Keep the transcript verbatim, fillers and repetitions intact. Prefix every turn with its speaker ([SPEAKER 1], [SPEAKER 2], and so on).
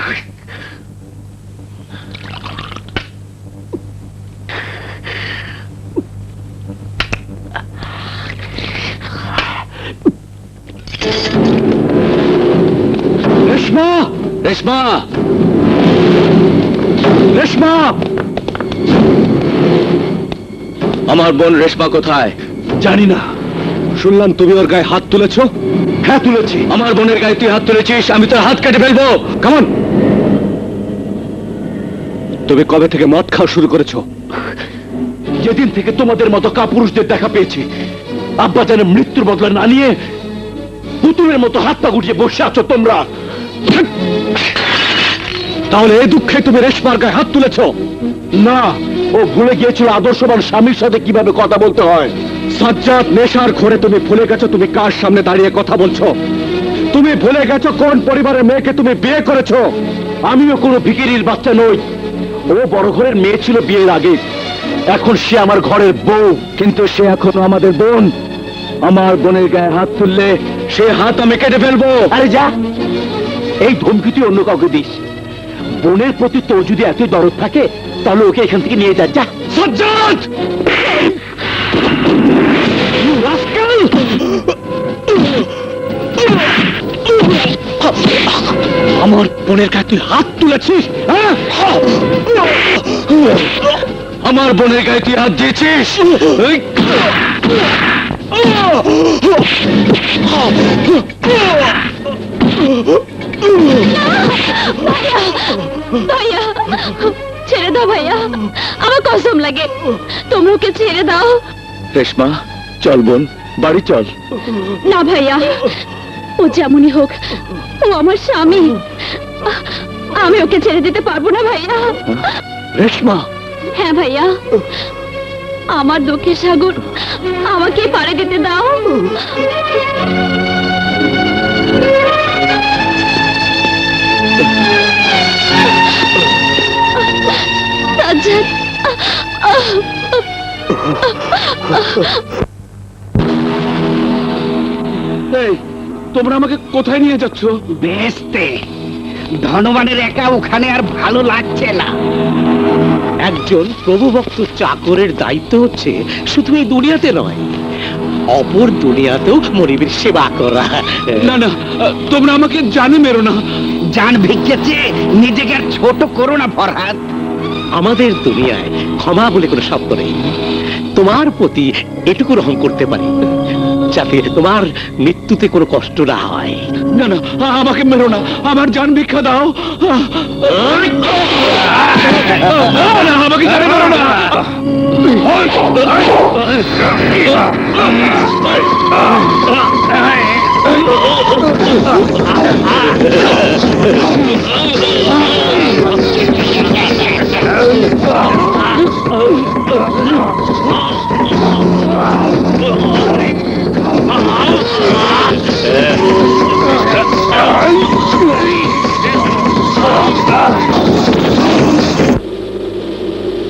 [SPEAKER 1] রেশমা, রেশমা, রেশমা, আমার বোন রেশমা কোথায়?
[SPEAKER 2] জানি না। শুনলাম তুমি ওর গায়ে হাত তুলেছো।
[SPEAKER 1] হ্যাঁ তুলেছি। আমার বোনের গায়ে তুই হাত তুলেছিস, আমি তোর হাত কেটে ফেলবো।
[SPEAKER 2] কামন। তুমি কবে থেকে মদ খাওয়া শুরু করেছো?
[SPEAKER 1] যেদিন থেকে তোমাদের মতো কাপুরুষদের দেখা পেয়েছি। আব্বা যেন মৃত্যুর বদলা না নিয়ে পুতুলের মতো হাত পা গুটিয়ে বসে আছো তোমরা।
[SPEAKER 2] তাহলে এই দুঃখে তুমি রেশমার গায়ে হাত তুলেছো?
[SPEAKER 1] না, ও ভুলে গিয়েছিল আদর্শবান স্বামীর সাথে কিভাবে কথা বলতে হয়।
[SPEAKER 2] সাজ্জাদ, নেশার ঘোরে তুমি ভুলে গেছো তুমি কার সামনে দাঁড়িয়ে কথা বলছো। তুমি ভুলে গেছো কোন পরিবারের মেয়েকে তুমি বিয়ে করেছো।
[SPEAKER 1] আমিও কোনো ভিখিরির বাচ্চা নই। ও বড় ঘরের মেয়ে ছিল বিয়ের আগে, এখন সে আমার ঘরের বউ। কিন্তু সে এখনো আমাদের বোন। আমার বোনের গায়ে হাত তুললে সে হাত আমি কেটে ফেলবো। আরে যা, এই ধমকি তুই অন্য কাউকে দিস। বোনের প্রতি তোর যদি এত দরদ থাকে তাহলে ওকে এখান থেকে নিয়ে যা। যা
[SPEAKER 2] সাজ্জাদ! আমার বোনের গায়ে তুই হাত তুলেছিস? হ্যাঁ,
[SPEAKER 1] আমার বোনের গায়ে তুই হাত দিয়েছিস?
[SPEAKER 3] ভাইয়া, ছেড়ে দাও ভাইয়া, আমার কসম লাগে, তোমরা ওকে ছেড়ে দাও।
[SPEAKER 1] রেশমা, চল বোন, বাড়ি চল।
[SPEAKER 3] না ভাইয়া, ও যেমনই হোক ও আমার স্বামী। আমি ওকে ছেড়ে দিতে পারবো না ভাইয়া।
[SPEAKER 1] রেশমা।
[SPEAKER 3] হ্যাঁ ভাইয়া, আমার দুঃখের সাগর আমাকে পাড়ে দিতে দাও। সাজ্জাদ,
[SPEAKER 2] এই, তোমরা আমাকে কোথায় নিয়ে যাচ্ছ?
[SPEAKER 4] বেহেশতে। ধনবানের একা ওখানে আর ভালো লাগছে না। একজন প্রভুভক্ত চাকরের দায়িত্ব হচ্ছে শুধু এই দুনিয়াতে নয়, অপর দুনিয়াতেও মনিবের সেবা করা।
[SPEAKER 2] না না, তোমরা আমাকে জানে মেরো না।
[SPEAKER 4] জান ভিক্ষেছে, নিজেকে আর ছোট করো না ফরহাদ। আমাদের দুনিয়ায় ক্ষমা বলে কোনো শব্দ নেই। তোমার প্রতি এটুকু রহম করতে পারি যাতে তোমার মৃত্যুতে কোনো কষ্ট না হয়।
[SPEAKER 2] না না, আমাকে মেরো না, আমার জান ভিক্ষা দাও। না, আমাকে জানে মেরো না।